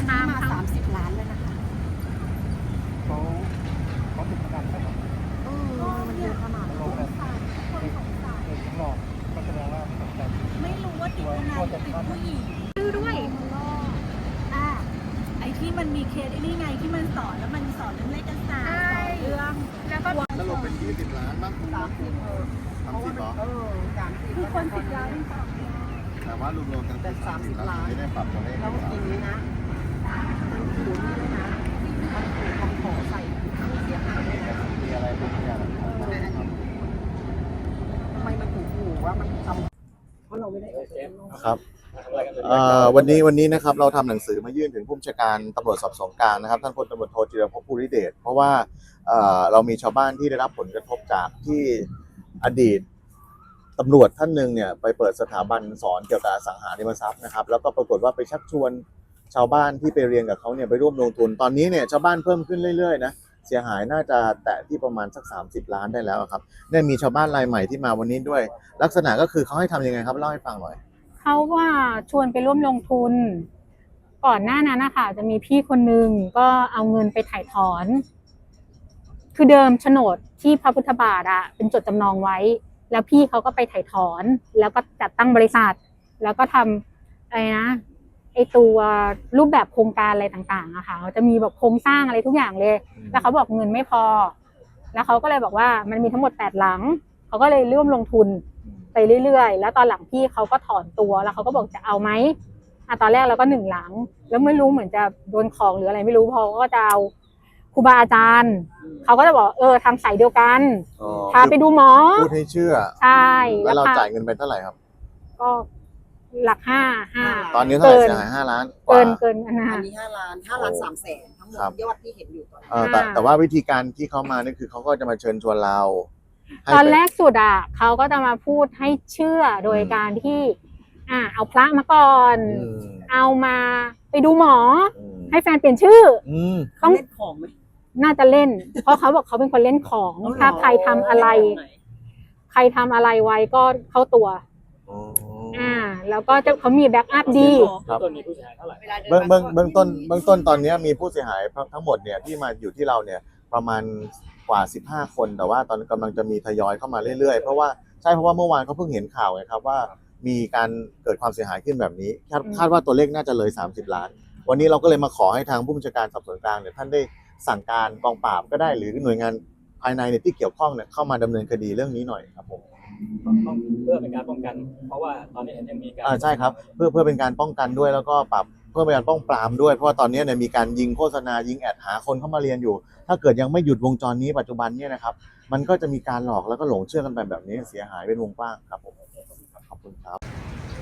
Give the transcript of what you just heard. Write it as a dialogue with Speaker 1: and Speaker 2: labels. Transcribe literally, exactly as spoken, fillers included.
Speaker 1: นี้มาสามสิบล้านเลยนะคะ
Speaker 2: เขาเขาติดประกันไหมครับ
Speaker 1: เออมันเยอะขนาดนั้นคนสงสารคนสงสาร
Speaker 2: เด็กหลอกก็แสดงว่าสนใจ
Speaker 1: ไม่รู้ว่าติดคนไหนติดผู้หญิงชื่อด้วยอ่าไอ้ที่มันมีเคสไอ้นี่ไงที่มันสอนแล้วมันสอนเรื่องเลขศาสตร์สอนเรื่องแล้วก็
Speaker 3: สรุปเป็นยี่สิบล้านบ้างคุณ
Speaker 1: สามสิบเออ
Speaker 3: สามสิบเหรอ
Speaker 1: เออสามสิบคือคนสิบล้าน
Speaker 3: แต่ว่ารวมๆกันเป็นสามสิบล้านไม่ได้ปรับตัวเลข
Speaker 1: แล้วทีนี้นะมันถูกนี่นะมันถูกคำขอใส่ผู้เสียหายเลยนะ
Speaker 3: มีอะไรบ้างเนี่ย
Speaker 1: ทำไมมันถูกหูว่ามันทำเพราะเราไม่ได้โอเค
Speaker 3: ครับวันนี้วันนี้นะครับเราทำหนังสือมายื่นถึงผู้บัญชาการตำรวจสอบสวนกลางนะครับท่านพลตำรวจโทจิรภพภูริเดชเพราะว่าเรามีชาวบ้านที่ได้รับผลกระทบจากที่อดีตตำรวจท่านหนึ่งเนี่ยไปเปิดสถาบันสอนเกี่ยวกับอสังหาริมทรัพย์นะครับแล้วก็ปรากฏว่าไปชักชวนชาวบ้านที่ไปเรียนกับเขาเนี่ยไปร่วมลงทุนตอนนี้เนี่ยชาวบ้านเพิ่มขึ้นเรื่อยๆนะเสียหายน่าจะแตะที่ประมาณสักสามสิบล้านได้แล้วครับเนี่ยมีชาวบ้านรายใหม่ที่มาวันนี้ด้วยลักษณะก็คือเขาให้ทำยังไงครับเล่าให้ฟังหน่อย
Speaker 4: เขาว่าชวนไปร่วมลงทุนก่อนหน้านั้นนะคะจะมีพี่คนนึงก็เอาเงินไปถ่ายถอนคือเดิมโฉนดที่พระพุทธบาทอะเป็นจดจำนองไว้แล้วพี่เขาก็ไปถ่ายถอนแล้วก็จัดตั้งบริษัทแล้วก็ทำอะไรนะไอตัวรูปแบบโครงการอะไรต่างๆอะค่ะจะมีแบบโครงสร้างอะไรทุกอย่างเลยแล้วเขาบอกเงินไม่พอแล้วเขาก็เลยบอกว่ามันมีทั้งหมดแปดหลังเขาก็เลยร่วมลงทุนไปเรื่อยๆแล้วตอนหลังพี่เขาก็ถอนตัวแล้วเขาก็บอกจะเอาไหมอ่ะตอนแรกเราก็หนึ่งหลังแล้วไม่รู้เหมือนจะโดนของหรืออะไรไม่รู้พอก็จะเอาครูบาอาจารย์เขาก็จะบอกเออทางสายเดียวกันพาไปดูหมอ
Speaker 3: พูดให้เชื่อ
Speaker 4: ใช่
Speaker 3: แล้วเราจ่ายเงินไปเท่าไหร่ครับ
Speaker 4: ก็หลักห้าห้า
Speaker 3: ตอนนี้เท่าไหร่เสียหายห้าล้าน
Speaker 4: เกินเกินอันนั้น
Speaker 1: อันนี้ห้าล้านห้าล้านสามแสนทั้งหมดยอดที่เห็นอยู่ตอน
Speaker 3: นี้แต่แต่ว่าวิธีการที่เขามานี่คือเขาก็จะมาเชิญชวนเรา
Speaker 4: ตอนแรกสุดอ่ะเขาก็จะมาพูดให้เชื่อโดยการที่อ่าเอาพระมาก่อนเอามาไปดูหมอให้แฟนเปลี่ยนชื่อ
Speaker 1: ต้องเล่นของไหม
Speaker 4: น่าจะเล่นเพราะเขาบอกเขาเป็นคนเล่นของถ้าใครทำอะไรใครทำอะไรไว้ก็เข้าตัวอ่าแล้วก็จะเขามีแบ็กอัพดี
Speaker 2: ต้นมีผู้เสียหายเท่าไหร่
Speaker 3: เบื้องเบื้องเบื้องต้นเบื้องต้นตอนนี้มีผู้เสียหายทั้งหมดเนี่ยที่มาอยู่ที่เราเนี่ยประมาณกว่าสิบห้าคนแต่ว่าตอนกำลังจะมีทยอยเข้ามาเรื่อยๆเพราะว่าใช่เพราะว่าเมื่อวานเขาเพิ่งเห็นข่าวไงครับว่ามีการเกิดความเสียหายขึ้นแบบนี้คาดคาดว่าตัวเลขน่าจะเลยสามสิบล้านวันนี้เราก็เลยมาขอให้ทางผู้บัญชาการสอบสวนกลางเนี่ยท่านได้สั่งการกองปราบก็ได้หรือหน่วยงานภายในเนี่ยที่เกี่ยวข้องเนี่ยเข้ามาดำเนินคดีเรื่องนี้หน่อยครับผม
Speaker 2: เพื่อเป็นการป้องกันเพราะว่าตอนนี้ยังมีการ
Speaker 3: อ่าใช่ครับเพื่อเพื่อเป็นการป้องกันด้วยแล้วก็ปรับเพื่อเป็นการป้องปรามด้วยเพราะว่าตอนนี้เนี่ยมีการยิงโฆษณายิงแอดหาคนเข้ามาเรียนอยู่ถ้าเกิดยังไม่หยุดวงจรนี้ปัจจุบันเนี่ยนะครับมันก็จะมีการหลอกแล้วก็หลงเชื่อกันไปแบบนี้เสียหายเป็นวงกว้างครับผมขอบคุณครับ